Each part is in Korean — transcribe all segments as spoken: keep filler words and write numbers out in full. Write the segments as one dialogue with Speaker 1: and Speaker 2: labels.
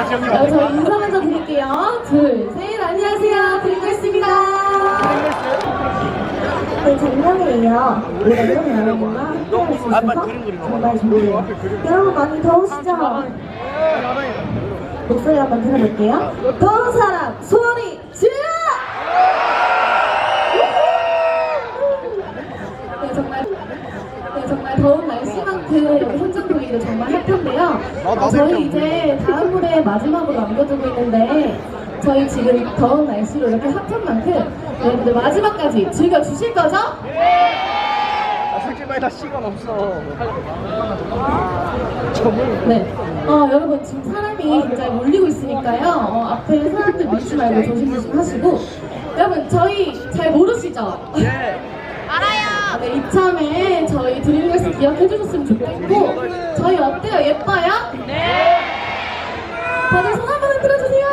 Speaker 1: 어, 저희 인사 먼저 드릴게요. 둘, 셋, 안녕하세요. 드리겠습니다.
Speaker 2: 네, 작년에 이어 올해도 여러분과 함께할 수 있어서 정말 좋네요. 여러분 많이 더우시죠? 목소리 한번 들어볼게요. 더운 사람 소리 질러!
Speaker 1: 네, 정말, 네, 정말 더운 날씨만큼 이렇게 현장 보기도 정말 핫한데요. 어, 저희 이제 다음 무대 마지막으로 남겨두고 있는데 저희 지금 더운 날씨로 이렇게 핫한 만큼 여러분들 마지막까지 즐겨주실 거죠?
Speaker 3: 아, 솔직히 말해 나 시간 없어. 점을.
Speaker 1: 네. 어, 여러분 지금 사람이 굉장히 몰리고 있으니까요. 어, 앞에 사람들 밀지 말고 조심조심 하시고. 여러분 저희 잘 모르시죠?
Speaker 3: 예.
Speaker 1: 알아요. 네, 이참에 저희 드림걸스 기억해 주셨으면 좋겠고 저희 어때요? 예뻐요? 네. 다들 손 한번 흔들어주세요.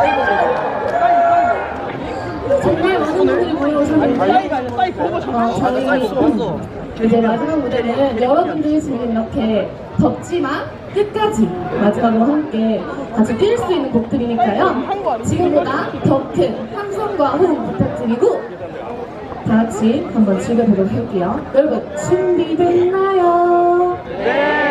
Speaker 1: 정말 많은 분들이 모여오셨는데 어, 저희 이제 마지막 무대는 여러분들이 지금 이렇게 덥지만 끝까지 마지막으로 함께 같이 뛸 수 있는 곡들이니까요. 지금보다 더 큰 함성과 호응 부탁드리고 다 같이 한번 즐겨보도록 할게요. 여러분 준비됐나요?
Speaker 3: 네.